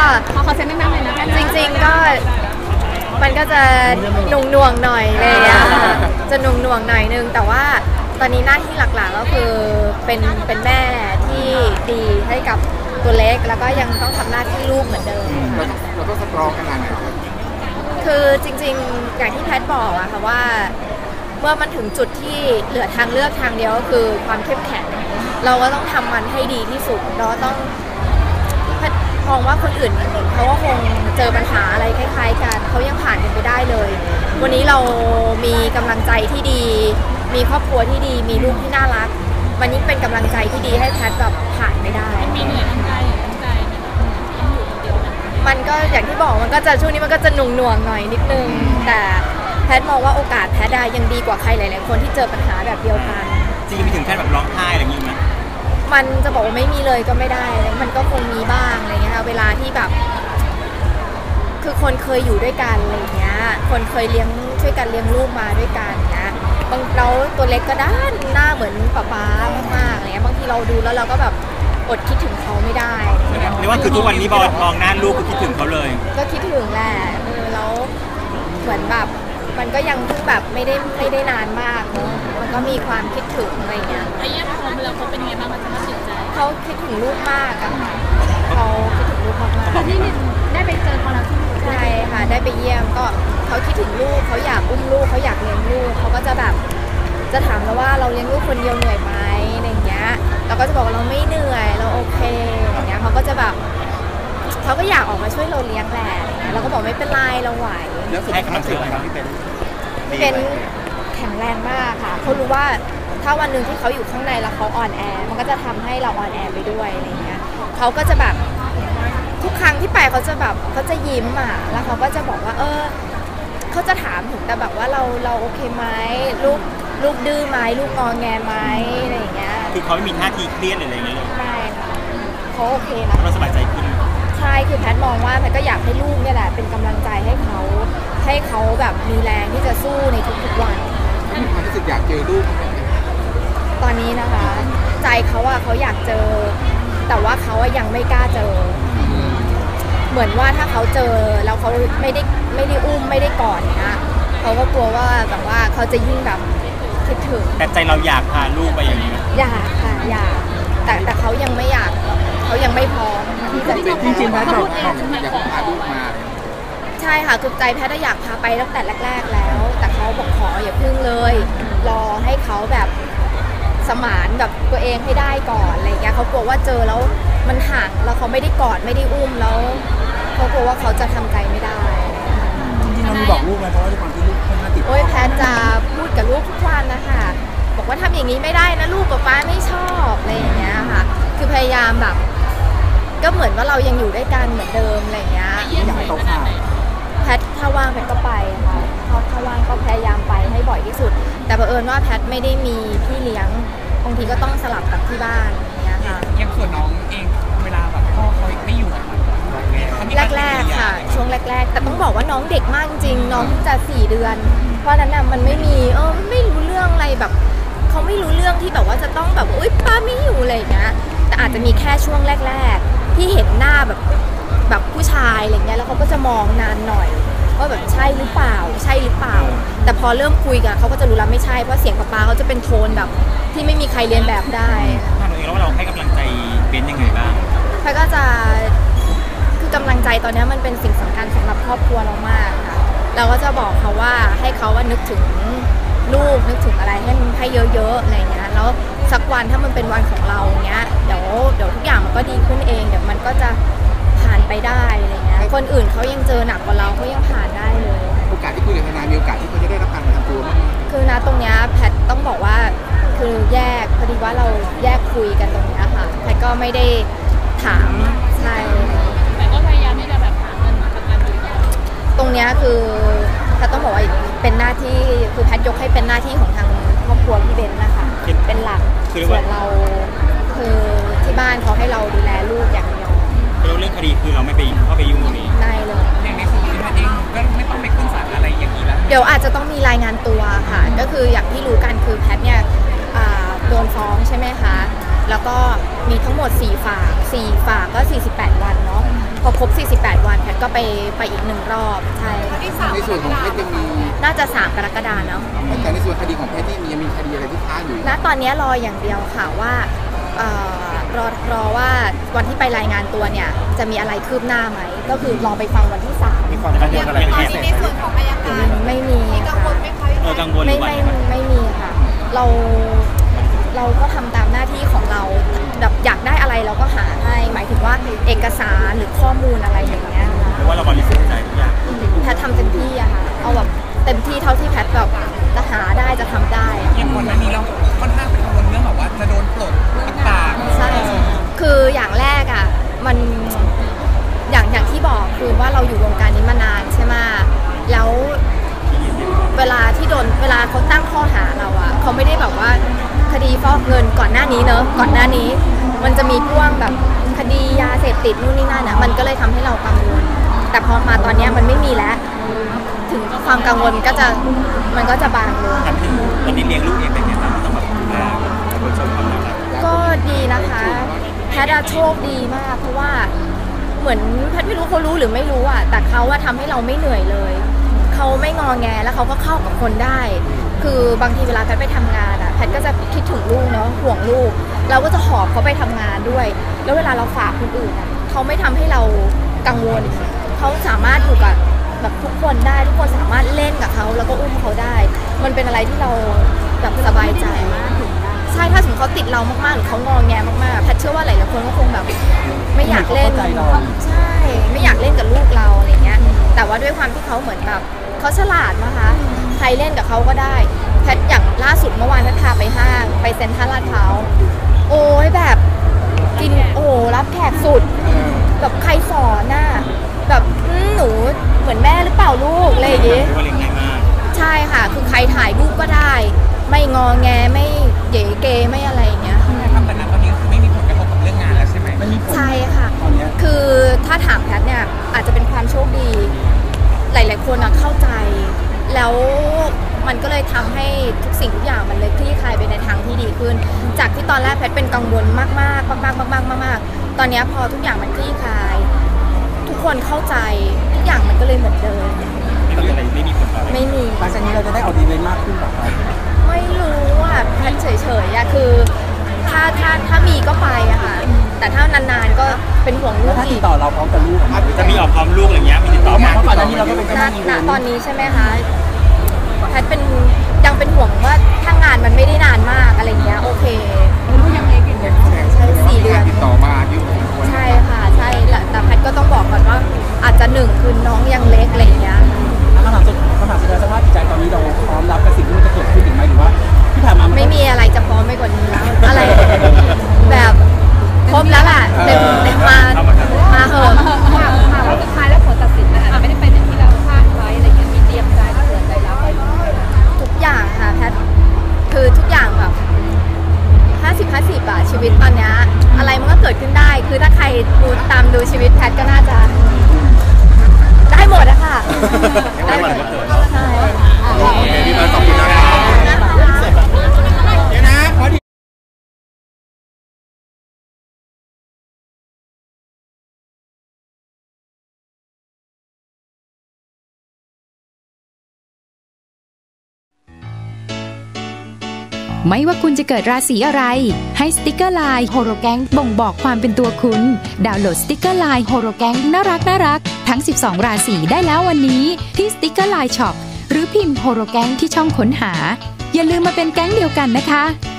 ขอเซ็นแม่เลยนะจริงๆก็มันก็จะหน่วงหน่อยเลยจะหน่วงหน่อยนึงแต่ว่าตอนนี้หน้าที่หลักๆก็คือเป็นแม่ที่ดีให้กับตัวเล็กแล้วก็ยังต้องทำหน้าที่ลูกเหมือนเดิมเราต้องสตรองขนาดไหนคือจริงๆอย่างที่แพทบอกอะค่ะว่าเมื่อมันถึงจุดที่เหลือทางเลือกทางเดียวก็คือความเข้มแข็งเราก็ต้องทำมันให้ดีที่สุดเราต้องมองว่าคนอื่นเขาก็คงเจอปัญหาอะไรคล้ายๆกันเขายังผ่านกันไปได้เลยวันนี้เรามีกำลังใจที่ดีมีครอบครัวที่ดีมีลูกที่น่ารักวันนี้เป็นกำลังใจที่ดีให้แพทแบบผ่านไปได้มีเหนื่อยทั้งกายทั้งใจมันก็อย่างที่บอกมันก็จะช่วงนี้มันก็จะหน่วงหน่อยนิดนึงแต่แพทมองว่าโอกาสแพทได้ยังดีกว่าใครหลายๆคนที่เจอปัญหาแบบเดียวกันจริงๆมีถึงขั้นแบบร้องไห้อะไรอย่างนี้ไหมมันจะบอกว่าไม่มีเลยก็ไม่ได้มันก็คงมีบ้างอะไรเงี้ยค่ะเวลาที่แบบคือคนเคยอยู่ด้วยกันอะไรเงี้ยคนเคยช่วยกันเลี้ยงลูกมาด้วยกันนะบางเราตัวเล็กก็ด้านหน้าเหมือนป๊ามากๆอะไรเงี้ยบางทีเราดูแล้วเราก็แบบอดคิดถึงเขาไม่ได้เรียกว่าคือทุกวันนี้บอลมองหน้าลูกก็คิดถึงเขาเลยก็คิดถึงแหละแล้วเหมือนแบบมันก็ยังเพิ่งแบบไม่ได้นานมากเนอะมันก็มีความคิดถึงอะไรเงี้ยไอ้เยี่ยมพอแล้วเขาเป็นยังไงบ้างมันจะมาเสียใจเขาคิดถึงลูกมากอะค่ะเขาคิดถึงลูกมากๆนี่ได้ไปเจอเขาแล้วใช่ค่ะได้ไปเยี่ยมก็เขาคิดถึงลูกเขาอยากอุ้มลูกเขาอยากเลี้ยงลูกเขาก็จะแบบจะถามเราว่าเราเลี้ยงลูกคนเดียวเหนื่อยไหมอะไรเงี้ยเราก็จะบอกว่าเราไม่เหนื่อยเราโอเคอย่างเงี้ยเขาก็จะแบบเขาก็อยากออกมาช่วยเราเลี้ยงแหละเราก็บอกไม่เป็นไรเราไหวแล้วสุดท้ายคืออะไรครับพี่เป็นแข็งแรงมากค่ะเขารู้ว่าถ้าวันหนึ่งที่เขาอยู่ข้างในแล้วเขาอ่อนแอมันก็จะทำให้เราอ่อนแอไปด้วยอะไรเงี้ยเขาก็จะแบบทุกครั้งที่ไปเขาจะแบบเขาจะยิ้มอ่ะแล้วเขาก็จะบอกว่าเขาจะถามถึงแต่แบบว่าเราโอเคไหมลูกดื้อไหมลูกงอแงไหมอะไรอย่างเงี้ยคือเขาไม่มีท่าทีเครียดอะไรอย่างเงี้ยเลยไม่ค่ะเขาโอเคนะเราสบายใจขึ้นใช่คือแพทมองว่าแพทก็อยากให้ลูกเนี่ยแหละเป็นกำลังใจให้เขาแบบมีแรงที่จะสู้ในทุกๆวันมีความรู้สึกอยากเจอลูกตอนนี้นะคะใจเขาอะเขาอยากเจอแต่ว่าเขายังไม่กล้าเจอเหมือนว่าถ้าเขาเจอแล้วเขาไม่ได้อุ้มไม่ได้กอดนะเขาก็กลัวว่าแบบว่าเขาจะยิ่งแบบคิดถึงแต่ใจเราอยากพาลูกไปอย่างนี้อยากค่ะอยากแต่เขายังไม่อยากเขายังไม่พร้อมที่จะจริงๆแพทบอกอยากพาลูกมาใช่ค่ะคือใจแพทย์อยากพาไปตั้งแต่แรกๆแล้วแต่เขาบอกขออย่าพึ่งเลยรอให้เขาแบบสมานแบบตัวเองให้ได้ก่อนอะไรเงี้ยเขากลัวว่าเจอแล้วมันห่างแล้วเขาไม่ได้กอดไม่ได้อุ้มแล้วเขากลัวว่าเขาจะทำใจไม่ได้จริงๆเรามีบอกลูกไหมเพราะว่าด้วยความที่ลูกค่อนข้างติดโอ้ยแพทย์จะพูดกับลูกทุกวันนะคะบอกว่าทำอย่างนี้ไม่ได้นะลูกกับป้าไม่ชอบอะไรอย่างเงี้ยค่ะคือพยายามแบบก็เหมือนว่าเรายังอยู่ด้วยกันเหมือนเดิมอะไรเงี้ยอยากให้เขาขาดแพทถ้าว่างแพทก็ไปค่ะถ้าว่างก็พยายามไปให้บ่อยที่สุดแต่บังเอิญว่าแพทไม่ได้มีพี่เลี้ยงบางทีก็ต้องสลับกับที่บ้านอย่างเงี้ยค่ะยังส่วนน้องเองเวลาแบบพ่อเขาไม่อยู่แรกๆค่ะช่วงแรกๆแต่ต้องบอกว่าน้องเด็กมากจริงน้องเพิ่งจะ4 เดือนเพราะนั้นน่ะมันไม่มีไม่รู้เรื่องอะไรแบบเขาไม่รู้เรื่องที่แบบว่าจะต้องแบบอุ๊ยป้าไม่อยู่อะไรอย่างเงี้ยแต่อาจจะมีแค่ช่วงแรกๆที่เห็นหน้าแบบผู้ชายอะไรเงี้ยแล้วเขาก็จะมองนานหน่อยว่าแบบใช่หรือเปล่าใช่หรือเปล่าแต่พอเริ่มคุยกันเขาก็จะรู้แล้วไม่ใช่เพราะเสียงป๊าเขาจะเป็นโทนแบบที่ไม่มีใครเรียนแบบได้ถามตัวเองแล้วว่าเราให้กำลังใจเบนยังไงบ้างเขาก็จะคือกำลังใจตอนนี้มันเป็นสิ่งสำคัญสำหรับครอบครัวเรามากค่ะเราก็จะบอกเขาว่าให้เขาว่านึกถึงลูกนึกถึงอะไรให้เยอะๆอะไรเงี้ยแล้วสักวันถ้ามันเป็นวันของเราเงี้ยเดี๋ยวทุกอย่างมันก็ดีขึ้นเองเดี๋ยวมันก็จะผ่านไปได้อะไรเงี้ยคนอื่นเขายังเจอหนักกว่าเราเขายังผ่านได้เลยโอกาสที่คุยกับทนายมีโอกาสที่เขาจะได้รับการประกันตัวมั้ยคือนะตรงเนี้ยแพทต้องบอกว่าคือแยกพอดีว่าเราแยกคุยกันตรงเนี้ยค่ะแพทก็ไม่ได้ถามใช่แต่ก็พยายามที่จะแบบหาเงินมาประกันอยู่ตรงเนี้ยคือแพทต้องบอกว่าเป็นหน้าที่คือแพทยกให้เป็นหน้าที่ของทางครอบครัวพี่เบนนะคะเป็นหลักส่วนเราคือที่บ้านเขาให้เราดูแลลูกอย่างเดียวเรื่องคดีคือเราไม่ไปเข้าไปยุ่งตรงนี้ได้เลยอย่างในส่วนที่แพทเองก็ไม่ต้องไปขึ้นศาลอะไรอย่างนี้แล้วเดี๋ยวอาจจะต้องมีรายงานตัวค่ะก็คืออย่างที่รู้กันคือแพทเนี่ยโดนฟ้องใช่ไหมคะแล้วก็มีทั้งหมด4 ฝากก็48 วันเนาะพอครบ48 วันแพทย์ก็ไปอีก1 รอบใช่ในส่วนของเพชรยังมีน่าจะ3 กรกฎาคมเนาะแต่ในส่วนคดีของเพชรที่ยังมีคดีอะไรที่ค้างอยู่ณตอนนี้รออย่างเดียวค่ะว่าเอ่อรอว่าวันที่ไปรายงานตัวเนี่ยจะมีอะไรคืบหน้าไหมก็คือรอไปฟังวันที่3 มีความกังวลอะไรพิเศษในส่วนของอายการไม่มีค่ะกังวลหรือว่ายังไงไม่มีค่ะเราก็ทำตามหน้าที่ของเราแบบอยากได้อะไรเราก็หาให้หมายถึงว่าเอกสารหรือข้อมูลอะไรอย่างเงี้ยค่ะเพราะว่าเราบริสุทธิ์ใจทุกอย่างแพทย์ทำเต็มที่อะค่ะเอาแบบเต็มที่เท่าที่แพทย์แบบจะหาได้จะทำได้อะอย่างก่อนหน้านี้เราค่อนข้างเป็นกังวลเรื่องแบบว่าจะโดนปลดต่างๆใช่คืออย่างแรกอะมันอย่างที่บอกคือว่าเราอยู่วงการนี้มานานใช่ไหมแล้วเวลาเขาตั้งข้อหาเราอะเขาไม่ได้แบบว่าคดีฟอกเงินก่อนหน้านี้เนอะก่อนหน้านี้มันจะมีพ่วงแบบคดียาเสพติดนู่นนี่นั่นอะมันก็เลยทำให้เรากังวลแต่พอมาตอนนี้มันไม่มีแล้วถึงความกังวลมันก็จะบางลงตอนนี้เลี้ยงลูกเองเป็นไงบ้างต้องแบบดูแลคนชมความรักก็ดีนะคะแพทย์โชคดีมากเพราะว่าเหมือนแพทย์ไม่รู้เขารู้หรือไม่รู้อ่ะแต่เขาว่าทำให้เราไม่เหนื่อยเลยเขาไม่งอแงแล้วเขาก็เข้ากับคนได้คือบางทีเวลาแพทย์ไปทำงานอ่ะแพทย์ก็จะคิดถึงลูกเนาะห่วงลูกเราก็จะหอบเขาไปทำงานด้วยแล้วเวลาเราฝากคนอื่นอ่ะเขาไม่ทำให้เรากังวลเขาสามารถอยู่กับแบบทุกคนได้ทุกคนสามารถเล่นกับเขาแล้วก็อุ้มเขาได้มันเป็นอะไรที่เราแบบสบายใจใช่ถ้าสมมติเขาติดเรามากๆหรือเขางอแงมากๆแพทย์เชื่อว่าหลายๆคนก็คงแบบไม่อยากเล่นใช่ไม่อยากเล่นกับลูกเราอะไรเงี้ยแต่ว่าด้วยความที่เขาเหมือนแบบเขาฉลาดนะคะใครเล่นกับเขาก็ได้แพทย์อย่างล่าสุดเมื่อวานแพทย์พาไปห้างไปเซ็นทรัลลาดพร้าวโอ้ยแบบกินโอ้รับแขกสุดแบบใครสอนน่ะแบบหนูเหมือนแม่หรือเปล่าลูกอะไรอย่างงี้ว่าเลี้ยงง่ายมากใช่ค่ะคือใครถ่ายรูปก็ได้ไม่งอแงไม่เก๋เกไม่อะไรอย่างเงี้ยทำแต่นั้นตอนนี้คือไม่มีผลกระทบกับเรื่องงานแล้วใช่ไหมใช่ค่ะคือถ้าถามแพทย์เนี่ยอาจจะเป็นความโชคดีหลายๆคนเข้าใจแล้วมันก็เลยทำให้ทุกสิ่งทุกอย่างมันเลยคลี่คลายไปในทางที่ดีขึ้นจากที่ตอนแรกแพทย์เป็นกังวลมากๆตอนนี้พอทุกอย่างมันคลี่คลายทุกคนเข้าใจทุกอย่างมันก็เลยเหมือนเดิมไม่มีอะไรไม่มีผลต่ออะไรไม่มีหลังจากนี้เราจะได้ออกอีเวนต์มากขึ้นต่อไปไม่รู้อ่ะแพทย์เฉยๆอะคือถ้ามีก็ไปอะค่ะแต่ถ้านานๆก็เป็นห่วงลูกถ้าติอีดกต่อเราพร้อมกับลูกจะมีออกพร้อมลูกอะไรเงี้ยมีติดต่อมาเพราะก่อนหน้านี้เราก็เป็นเจ้าหน้าอีเวนต์ตอนนี้ใช่ไหมคะแพทย์ยังเป็นห่วงว่าถ้างานมันไม่ได้นานมากอะไรเงี้ยโอเคลูกยังเล็กอยู่ใช่4 เดือนติดต่อมาอยู่ใช่ค่ะใช่แต่แพทย์ก็ต้องบอกก่อนว่าอาจจะ1คือน้องยังเล็กอะไรเงี้ยคำถามสุดสภาพจิตใจตอนนี้เราพร้อมรับกับสิ่งที่มันจะเกิดขึ้นหรือไม่หรือว่าที่ผ่านมาไม่มีอะไรจะพร้อมไปกว่านี้แล้วอะไรแบบครบแล้วล่ะเต็มมาเหอะค่ะว่าสุดท้ายแล้วผลตัดสินมันอาจจะไม่ได้เป็นอย่างที่เราคาดไว้อะไรเงี้ยมีเตรียมใจเผื่อใจรับไว้ทุกอย่างค่ะแพทย์คือทุกอย่างแบบ50-50อะชีวิตตอนนี้อะไรมันก็เกิดขึ้นได้คือถ้าใครดูชีวิตแพทย์ก็น่าจะได้หมดอะค่ะได้หมดก็เกิดใช่โอเคพี่เบิร์ดขอบคุณนะครับเดี๋ยวนะขอดีไม่ว่าคุณจะเกิดราศีอะไรให้สติกเกอร์ไลน์โฮโรแกงบ่งบอกความเป็นตัวคุณดาวน์โหลดสติกเกอร์ไลน์โฮโรแกงน่ารักทั้ง12ราศีได้แล้ววันนี้ที่สติกเกอร์ไลน์ช็อปหรือพิมพ์โฮโรแกงที่ช่องค้นหาอย่าลืมมาเป็นแก๊งเดียวกันนะคะ